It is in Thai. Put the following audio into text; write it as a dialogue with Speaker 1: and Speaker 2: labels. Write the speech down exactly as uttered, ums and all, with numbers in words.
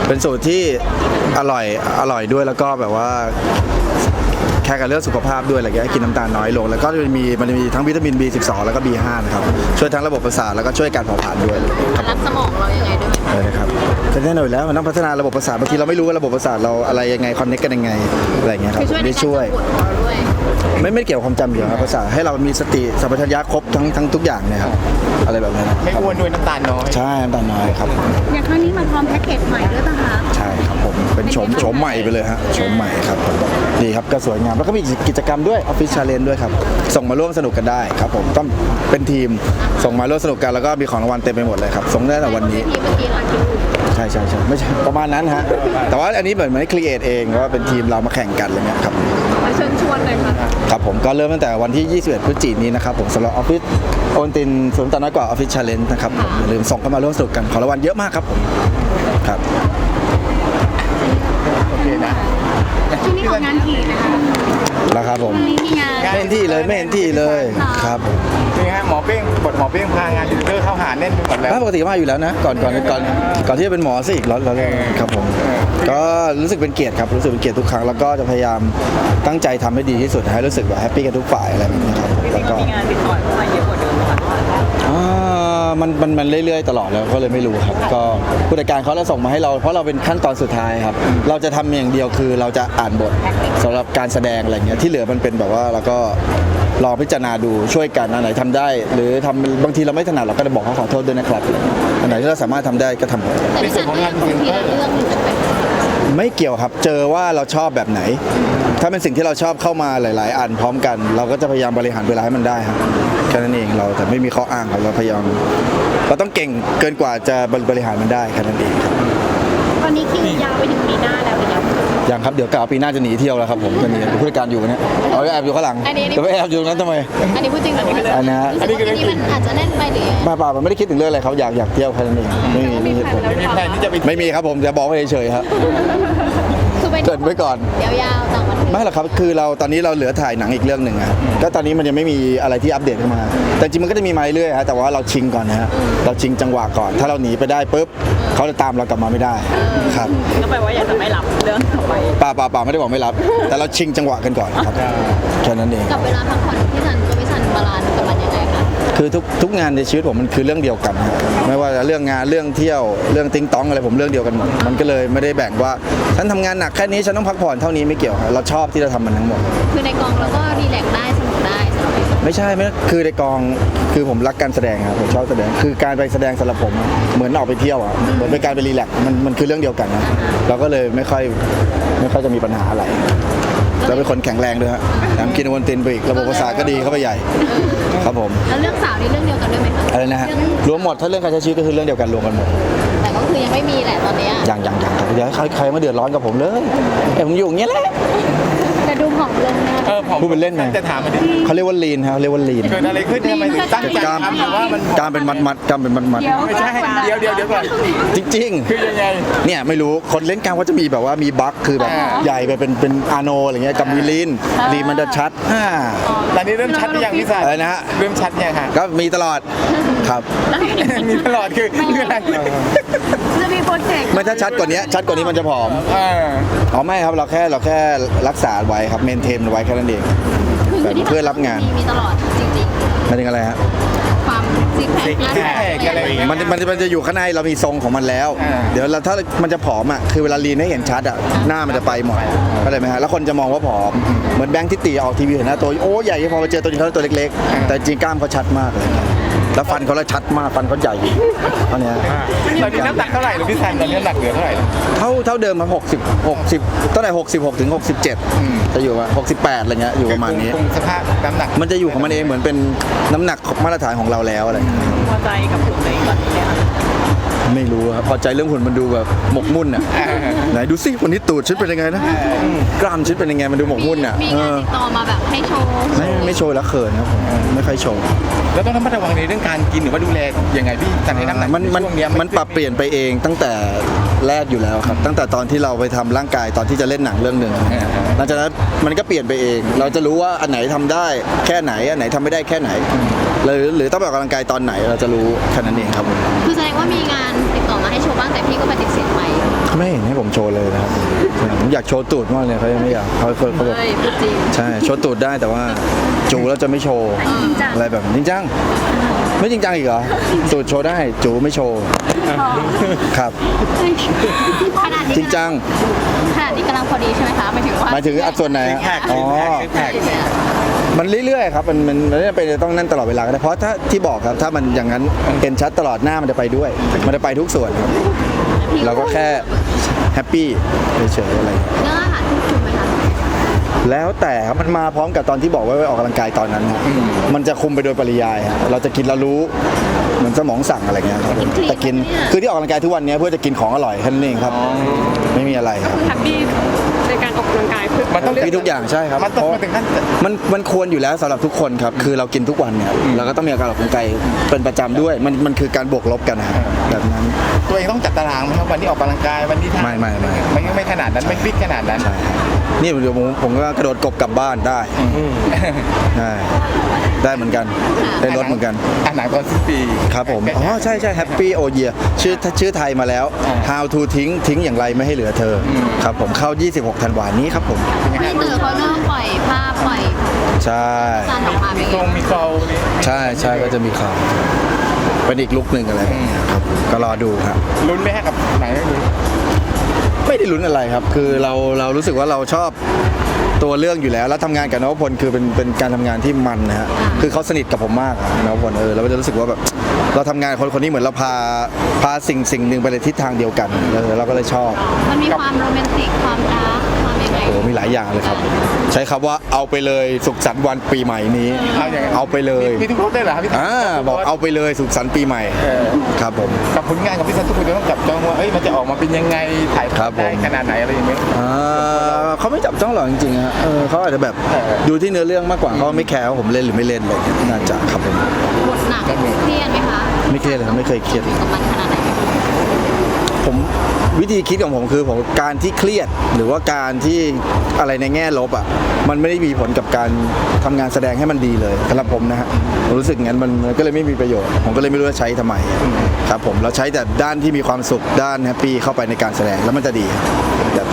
Speaker 1: เป็นสูตรที่อร่อยอร่อยด้วยแล้วก็แบบว่าแค่กับเรื่องสุขภาพด้วยอะไรเงี้ยกินน้ำตาลน้อยลงแล้วก็จะมีมันจะมีทั้งวิตามิน บี สิบสอง แล้วก็ บี ห้า นะครับช่วยทั้งระบบประสาทแล้วก็ช่วยการเผาผลาญด้วยครับ
Speaker 2: รับสมองเรายังไงด้วยไหม
Speaker 1: เลยนะครับก็แน่นอนอยู่แล้วมันต้องพัฒนาระบบประสาทบางทีเราไม่รู้ว่าระบบประสาทเราอะไรยังไงคอนเนคกันยังไงอะไรเงี้ยครับ
Speaker 2: คือช่วยใน
Speaker 1: ได้
Speaker 2: การ
Speaker 1: ช่วย
Speaker 2: ปวดหัวด้วย
Speaker 1: ไม่ไม่เกี่ยวกับความจำเดียวครับประสาทให้เรามีสติสัมปชัญญะครบทั้งทั้งทุกอย่างเนี่ยครับอะไรแบบนั้น
Speaker 3: ไม่อ้วนด้วยน้ำตาลน้อย
Speaker 1: ใช่น้ำตาลน้อยครับ
Speaker 4: อย่างครั้งนี้มาพร้อมแพ็กเกจใหม่ด้วยป่ะคะ
Speaker 1: ใช่ครับผมเป็นโฉมโฉมใหม่ไปเลยฮะโฉมใหม่ครับดีครับก็สวยงามแล้วก็มีกิจกรรมด้วยออฟฟิศชาเลนจ์ด้วยครับส่งมาร่วมสนุกกันได้ครับผมต้องเป็นทีมส่งมาร่วมสนุกกันแล้วก็มีของรางวัลเต็มไปหมดเลยครับส่งได้แต่วันนี้
Speaker 2: ที่เมื่อกี้เราคิด
Speaker 1: ใช่ใช่ใช่ไม่ใช่ประมาณนั้นฮะแต่ว่าอันนี้เหมือนไม่ครีเอทเองว่าเป็นทีมเรามาแข่งกันอะไรเงี้ยครับ
Speaker 2: มาเชิญชวนเลยค่ะ
Speaker 1: ครับผมก็เริ่มตั้งแต่วันที่ ยี่สิบเอ็ด พฤศจิกายนนี้นะครับผมสำหรับออฟฟิศโอนตินศูนย์ต่อน้อยกว่าออฟฟิศชาเลนจ์นะครับผมอย่าลืมส่งเข้ามาร่วมสนุกกันของรางวัลเยอะมากครับผมครับ
Speaker 3: โอเคนะ
Speaker 4: ช่วงนี้ของงานถี่นะคะ
Speaker 1: แล้วครับผม
Speaker 4: วันนี้มีงาน
Speaker 1: ไม่เห็นที่เลยไม่เห็นที่เลยครับ
Speaker 3: นี่ฮะหมอเป้งบทหมอเป้งพางานดิจิทัลเข้าหาแน่นไปหมดแล้ว
Speaker 1: ถ้าปกติมาอยู่แล้วนะก่อนก่อนก่อนก่อนที่จะเป็นหมอสิเราเราครับผมก็รู้สึกเป็นเกียรติครับรู้สึกเป็นเกียรติทุกครั้งแล้วก็จะพยายามตั้งใจทำให้ดีที่สุดให้รู้สึกแบบแฮปปี้กันทุกฝ่ายอะไรแบบนี้ครับแล้วก็มีงานติดต่อเข้ามาเยอะกว่าเดิมค่ะมันมันมันเรื่อยๆตลอดแล้วก็เลยไม่รู้ครับก็ผู้จัดการเขาเราส่งมาให้เราเพราะเราเป็นขั้นตอนสุดท้ายครับเราจะทำอย่างเดียวคือเราจะอ่านบทสำหรับการแสดงอะไรเงี้ยที่เหลือมันเป็นแบบว่าเราก็ลองพิจารณาดูช่วยกันอันไหนทำได้ หรือทำบางทีเราไม่ถนัดเราก็จะบอกเขาขอโทษด้วยนะครับอันไหนที่เราสามารถทำได้ก็ทำ
Speaker 2: แต่ที่สั่งก็ยังคงทีละเรื่องอยู่ไหม
Speaker 1: ไม่เกี่ยวครับเจอว่าเราชอบแบบไหน ถ้าเป็นสิ่งที่เราชอบเข้ามาหลาย ๆ อันพร้อมกัน เราก็จะพยายามบริหารเวลาให้มันได้ครับแค่นั้นเองเราแต่ไม่มีข้ออ้างครับเราพยายามเราต้องเก่งเกินกว่าจะบริหารมันได้แค่นั้นเองครับ
Speaker 4: ตอนนี้คิวยาวไปถึงปีหน้าแล้วนะคะ
Speaker 1: อย่างครับเดี๋ยวกล่าวปีหน้าจะหนีเที่ยวแล้วครับผมจะหนีผู้จัดการอยู่เนี่ยเอาไปแอบอยู่ข้างหลังจะไปแอบอยู่ตรงนั้นทำไม
Speaker 2: อันนี้พูดจริงหรือว่า
Speaker 1: อันนี้ฮะ
Speaker 2: รู้สึกว่าปีนี้มันอาจจะแน่นไปหรือยังไง
Speaker 1: มาเปล่ามันไม่ได้คิดถึงเรื่องอะไรเขาอยากอยากเที่ยวแค่นั้นเองไม่มีไม่มีเหตุผล
Speaker 3: ไม่มีแผนที่จะไป
Speaker 1: ไม่มีครับผมจะบอกไว้เฉยๆครับ
Speaker 2: คือไป
Speaker 1: เกรินไว้ก่อน
Speaker 2: ยาวๆต่างประเทศ
Speaker 1: ไม่หรอกครับคือเราตอนนี้เราเหลือถ่ายหนังอีกเรื่องหนึ่งอะก็ตอนนี้มันยังไม่มีอะไรที่อัปเดตเข้ามา แต่จริงมันก็จะมีมาเรื่อยๆฮะแต่ว่าเราชิงก่อนนะฮะเราชิงจังหวะก่อน ถ้าเราหนีไปได้ปุ๊บเขาจะตามเรากลับมาไม่ได้ครับ
Speaker 5: ก็แปลว่าอยากจะไม่รับเรื่องต่อไป
Speaker 1: ป่าป่าป่าไม่ได้บอกไม่รับ แต่เราชิงจังหวะกันก่อนครับแค่นั้นเอง
Speaker 2: กับเวลาพักผ่อนพี่สันตัวพี่สันบาลานซ์กับมันยังไงคะ
Speaker 1: คือทุกทุกงานในชีวิตผมมันคือเรื่องเดียวกันฮะไม่ว่าจะเรื่องงานเรื่องเที่ยวเรื่องติ้งต้องอะไรผมเรื่องเดียวกันหมดมันก็เลยไม่ได้แบ่งว่าฉันทำงานหนักแค่นี้ฉันต้องพักผ่อนเท่านี้ไม่เกี่ยวครับเราชอบที่จะทำมันทั้งหมด
Speaker 2: คือในกองเราก็รีแลกซ์ได้สนุกได้สำหรับพี่สัน
Speaker 1: ไม่ใช่ไม่คือในกองคือผมรักการแสดงครับผมชอบแสดงคือการไปแสดงสำหรับผมอะเหมือนออกไปเที่ยวอ่ะเหมือนเป็นการไปรีแลกซ์มันมันคือเรื่องเดียวกันนะเราก็เลยไม่ค่อยไม่ค่อยจะมีปัญหาอะไรเราเป็นคนแข็งแรงด้วยฮะแถมกินวันตินไปอีกระบบประสาทก็ดีเข้าไปใหญ่ครับผม
Speaker 2: แล้วเรื่องสาวนี่เรื่องเดียวกันด้วยไหมคะ
Speaker 1: อะไรนะฮะรวมหมดถ้าเรื่องการใช้ชีวิตก็คือเรื่องเดียวกันรวมกันหมด
Speaker 2: แต่ก็คือยังไม่มีแหละตอนเนี้ย
Speaker 1: อย่างอย่างอย่างครับเดี๋ยวใครใครมาเดือดร้อนกับผมเลยเอ้ยผมอยู่อย่างเงี้ยแหละ
Speaker 4: แต่ดูผอมลงนะ
Speaker 3: เออผม
Speaker 1: พูดเป็นเล่นไง
Speaker 3: จะถามมันดิ
Speaker 1: เขาเรียกว่าลีนครับเรียกว่าลีน
Speaker 3: เกิดอะไรขึ้นทำไมถึงตั้งใจ
Speaker 1: กล้าม
Speaker 3: ทำหรือว่ามัน
Speaker 1: กล้ามเป็นมัดมัดกล้ามเป็นมัดมัด
Speaker 3: ไม่ใช่เดี๋ยวเดี๋ยวเดี๋ยวก่อน
Speaker 1: จริง
Speaker 3: คือยังไง
Speaker 1: ๆเนี่ยไม่รู้คนเล่นกล้ามก็จะมีแบบว่ามีบั๊กคือแบบ
Speaker 3: อ่า
Speaker 1: ใหญ่ไปเป็นเป็นอาโนอะไรเงี้ยกับมีลีนลีนมันจะชัดอ่า
Speaker 3: ตอนนี้เริ่มชัดหรือยังพี่สัน
Speaker 1: อะไรนะฮะ
Speaker 3: เริ่มชัดยังฮะ
Speaker 1: ก็มีตลอดครับ
Speaker 3: มีตลอดคือคืออะไร
Speaker 4: จะมีโปรเจกต์
Speaker 1: ไม่ถ้าชัดกว่านี้ชัดกว่านี้มันจะผอม
Speaker 3: เออ
Speaker 1: อ๋อไม่ครับเราแค่เราแค่รักษาไว้ครับเมนเทนไว้แค่นั้นเอง
Speaker 2: คือ
Speaker 1: แบบ
Speaker 2: ที่
Speaker 1: เพื่อรับงาน
Speaker 2: มีมีตลอดจริง
Speaker 1: หมายถึงอะไรฮะ
Speaker 2: ๆ ความซิกแพค
Speaker 3: ซิกแพคอะไรอย่างเงี้ย
Speaker 1: มันมันมันจะอยู่ข้างในเรามีทรงของมันแล้ว
Speaker 3: อ่า
Speaker 1: เดี๋ยวเราถ้ามันจะผอมอ่ะคือเวลาลีนให้เห็นชัดอ่ะหน้ามันจะไปหมดเข้าใจไหมฮะแล้วคนจะมองว่าผอมเหมือนแบงค์ที่ตีออกทีวีเห็นหน้าตัวโอ้ใหญ่พอมาเจอตัวจริงเขาตัวเล็กๆ แต่จริงกล้ามเขาชัดมากเลยครับแล้วฟันเขาละชัดมากฟันเขาใหญ่เท่านี้
Speaker 3: ตอนนี้น้ำหนักเท่าไหร่หรือพี่สันตอนนี้น้ำหนักเหลือเท่าไหร่แล้ว
Speaker 1: เท่าเท่าเดิมครับหกสิบ หกสิบตั้งแต่หกสิบหกถึงหกสิบเจ็ด
Speaker 3: อืม
Speaker 1: จะอยู่ว่าหกสิบแปดอะไรเงี้ยอยู่ประมาณนี้
Speaker 3: คงสภาพน้ำหนัก
Speaker 1: มันจะอยู่ของมันเองเหมือนเป็นน้ำหนักมาตรฐานของเราแล้วอะไรเงี้ย
Speaker 5: พอใจกับผลในตอนนี้เนี่ยค่ะ
Speaker 1: ไม่รู้ครับพอใจเรื่องหุ่นมันดูแบบหมกมุ่นอ่ะ ไหนดูสิวันนี้ตูดชุดเป็นยังไงนะกล้ามชุดเป็นยังไงมันดูหมกมุ่นอ่ะ
Speaker 2: มี
Speaker 1: เอง
Speaker 2: าน
Speaker 1: อ
Speaker 2: ติดต่อมาแบบให้โชว์
Speaker 1: ไม่ไม่โชว์แล้วเขินครับผมไม่ค่อยโชว์
Speaker 3: แล้วต้องระมัดระวังในเรื่องการกินหรือว่าดูแลยังไงพี่สันให้น้ำหนัก
Speaker 1: มันมัน
Speaker 3: ช่วงเนี้ย
Speaker 1: มันปรับเปลี่ยนไปเองตั้งแต่แรกอยู่แล้วครับ ตั้งแต่ตอนที่เราไปทำร่างกายตอนที่จะเล่นหนังเรื่องหนึ่งหลังจากนั้นมันก็เปลี่ยนไปเอง เราจะรู้ว่าอันไหนทำได้แค่ไหนอันไหนทำไม่ได้แค่ไหนหรือหรือต้องไปออกกำลังกายตอนไหนเราจะรู้แค่นั้นเองครับผม
Speaker 2: คือแสดงว่ามีงานติดต่อมาให้โชว์บ้างแต่พี่ก็ปฏิเสธไป
Speaker 1: คไม่เห็นให้ผมโชว์เลยนะครับผมอยากโชว์ตูดมากเลยเขายังไม่อยากเขาเขาเขาแบบ
Speaker 2: เฮ้ยพูดจริง
Speaker 1: ใช่โชว์ตูดได้แต่ว่าจูแล้วจะไม่โชว์อะไรแบบจริงจังไม่จริงจังอีกเหรอตูดโชว์ได้จูไม่โชว์ครับ
Speaker 2: ขนาดนี้
Speaker 1: จริงจัง
Speaker 2: ขนาดนี้กำลังพอดีใช่ไหมคะหมายถึงว่า
Speaker 1: หมายถึงอัดส่วนไหนฮะ
Speaker 3: แท็ก
Speaker 1: อ๋อ
Speaker 3: แท็ก
Speaker 1: มันเรื่อยๆครับมันมันมันไม่จำเป็นจะต้องนั่นตลอดเวลาก็ได้เพราะถ้าที่บอกครับถ้ามันอย่างนั้นเห็นชัดตลอดหน้ามันจะไปด้วย มันจะไปทุกส่วนครับเราก็แค่แฮปปี้เฉยๆอะไร
Speaker 2: เรื่องอาหารที่คุณไหมคะ
Speaker 1: แล้วแต่ครับมันมาพร้อมกับตอนที่บอกว่าไปออกกำลังกายตอนนั้นครับมันจะคุมไปโดยปริยายครับเราจะกินเรารู้เหมือนสมองสั่งอะไรเงี้ยครับแต่กินคือที่ออกกำลังกายทุกวันนี้เพื่อจะกินของอร่อยแค่นั้นเองครับไม่มีอะไรครับ
Speaker 4: แฮปปี้ในการออกกำลังกายเพื่อ
Speaker 3: มันต้องเรียก
Speaker 1: มีทุกอย่างใช่ครับ
Speaker 3: มันต้องมาถึงขั้น
Speaker 1: มันมันควรอยู่แล้วสำหรับทุกคนครับคือเรากินทุกวันเนี่ยเราก็ต้องมีการออกกำลังกายเป็นประจำด้วยมันมันคือการบวกลบกันนะครับแบบนั้น
Speaker 3: ตัวเองต้องจัดตารางไหมครับวันนี้ออกกำลังกายวันนี้ทำ
Speaker 1: ไม่ไม่ไม่
Speaker 3: ไม่ไม่ขนาดนั้นไม่ฟิกขนาดนั้น
Speaker 1: ใช่นี่เดี๋ยวผมผมก็กระโดดกบกลับบ้านได้ได้ได้เหมือนกันได้รถเหมือนกัน
Speaker 3: อ่านหนังตอนสิ้นปี
Speaker 1: ครับผมอ๋อใช่ใช่แฮปปี้โอเยียชื่อชื่อไทยมาแล้ว how to ทิ้งทิ้งอย่างไรไม่ให้เหลือเธอครับผมเข้ายี่สิบหกธันวาคมนี้ครับผม
Speaker 2: พี่เต๋อเขาเริ่มปล่อยภาพปล่อย
Speaker 1: ใช่
Speaker 2: จานออกมาเป็น
Speaker 3: ตร
Speaker 2: ไง
Speaker 3: งมีโฟล์นี่
Speaker 1: ใช่ใช่ก็จะมีข่าวเป็นอีกลุกหนึ่งอะไรแบบนี้ครับก็รอดูครับ
Speaker 3: ลุ้นไหมฮะกับหนังเรื่องนี้
Speaker 1: ไม่ได้ลุ้นอะไรครับ คือเราเรารู้สึกว่าเราชอบตัวเรื่องอยู่แล้ว แล้วทำงานกับนวพลคือเป็นเป็นการทำงานที่มันนะฮะ คือเขาสนิทกับผมมากอะนวพลเออเราก็จะรู้สึกว่าแบบเราทำงานกับคนคนนี้เหมือนเราพาพาสิ่งสิ่งหนึ่งไปในทิศทางเดียวกันเออเราก็เลยชอบ
Speaker 2: มันมีความโรแมนติกความรักความยังไง
Speaker 1: โอ้มีหลายอย่างเลยครับ ใช้คำว่าเอาไปเลยสุขสันต์วันปีใหม่นี้
Speaker 3: เอาอย่าง
Speaker 1: เอาไปเลย
Speaker 3: มีทุกรถได้เหรอครับพี่
Speaker 1: อ่าบอกเอาไปเลยสุขสันต์ปีใหม่
Speaker 3: เออ
Speaker 1: ครับผม
Speaker 3: กับผลงานกับพี่ซันทุกคนจะต้องจับจ้องว่าเอ้ยมันจะออกมาเป็นยังไงถ่าย
Speaker 1: ครับผม
Speaker 3: ได้ขนาดไหนอะไรอย่างเงี้ย
Speaker 1: อ่าเขาไม่จับจ้องหรอกจริงๆฮะเออเขาอาจจะแบบ
Speaker 3: เออ
Speaker 1: ดูที่เนื้อเรื่องมากกว่าเขาไม่แคร์ว่าผมเล่นหรือไม่เล่นเลยน่าจะครับผม
Speaker 2: บทหนักเครียดไหมคะ
Speaker 1: ไม่เครียดเลยครับไม่เคยเครียด
Speaker 2: กับมันขนาดไหน
Speaker 1: ผมวิธีคิดของผมคือผมการที่เครียดหรือว่าการที่อะไรในแง่ลบอ่ะมันไม่ได้มีผลกับการทำงานแสดงให้มันดีเลยสำหรับผมนะฮะผมรู้สึกงั้นมันมันก็เลยไม่มีประโยชน์ ผมก็เลยไม่รู้จะใช้ทำไมครับผมเราใช้แต่ด้านที่มีความสุขด้านแฮปปี้เข้าไปในการแสดงแล้วมันจะดีแบบ